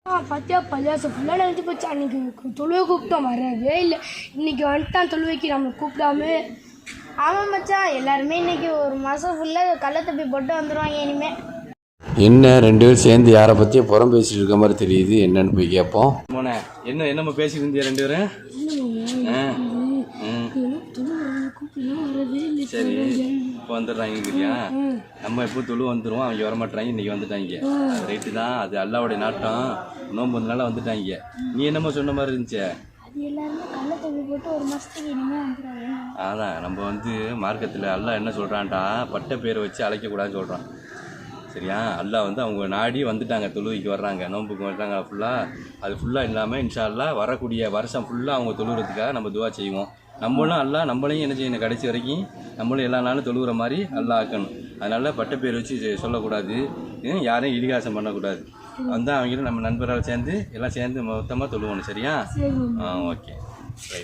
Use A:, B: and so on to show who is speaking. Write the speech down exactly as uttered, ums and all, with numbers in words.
A: பார்த்தியா பள்ளியாசம் ஃபுல்லாக நினைச்சு போச்சு. அன்றைக்கி தொழுவை கூப்பிட்டோம் வரவே இல்லை. இன்றைக்கி வந்துட்டான் தொழுவைக்கு நம்மளை கூப்பிடாம.
B: ஆமாம் மச்சான், எல்லாருமே இன்னைக்கு ஒரு மாதம் ஃபுல்லாக கள்ள தப்பி போட்டு வந்துடுவாங்க இனிமேல்.
C: என்ன ரெண்டு பேரும் சேர்ந்து யாரை பற்றியும் புறம் பேசிட்டு இருக்க மாதிரி தெரியுது. என்னன்னு போய் கேட்போம்.
D: மோனே என்ன என்னம்மா பேசிட்டு இருந்தியா ரெண்டு பேரும்? சரி இப்போ வந்துடுறாங்கயா. நம்ம எப்போ தொழு வந்துடுவோம், அவங்க வரமாட்டாங்க. இன்னைக்கு வந்துட்டாங்க. அது ரைட்டு தான், அது அல்லாவுடைய நாட்டம். நோம்பு வந்தனால வந்துட்டாங்க. நீ என்னம்மா சொன்ன மாதிரி இருந்துச்சு? அதான் நம்ம வந்து மார்க்கத்தில் அல்லாஹ் என்ன சொல்கிறான்டா, பட்ட பேரை வச்சு அழைக்கக்கூடாதுன்னு சொல்கிறான். சரியா? அல்லாஹ் வந்து அவங்க நாடி வந்துட்டாங்க, தொழுகைக்கு வர்றாங்க, நோம்புக்கு வர்றாங்க. ஃபுல்லாக அது ஃபுல்லாக இல்லாமல் இன்ஷா அல்லாஹ் வரக்கூடிய வருஷம் ஃபுல்லாக அவங்க தொழுகிறதுக்காக நம்ம துவா செய்வோம். நம்மளும் அல்லாஹ் நம்மளையும் என்ன செய்யணும், கடைசி வரைக்கும் நம்மளும் எல்லா நாளும் தொழுகிற மாதிரி அல்லாஹ் ஆக்கணும். அதனால் பட்ட பேர் வச்சு சொல்லக்கூடாது, யாரையும் இலிகாசம் பண்ணக்கூடாது. வந்தால் அவங்களும் நம்ம நண்பரால் சேர்ந்து எல்லாம் சேர்ந்து மொத்தமாக தொழுவோணும். சரியா? ஆ ஓகே.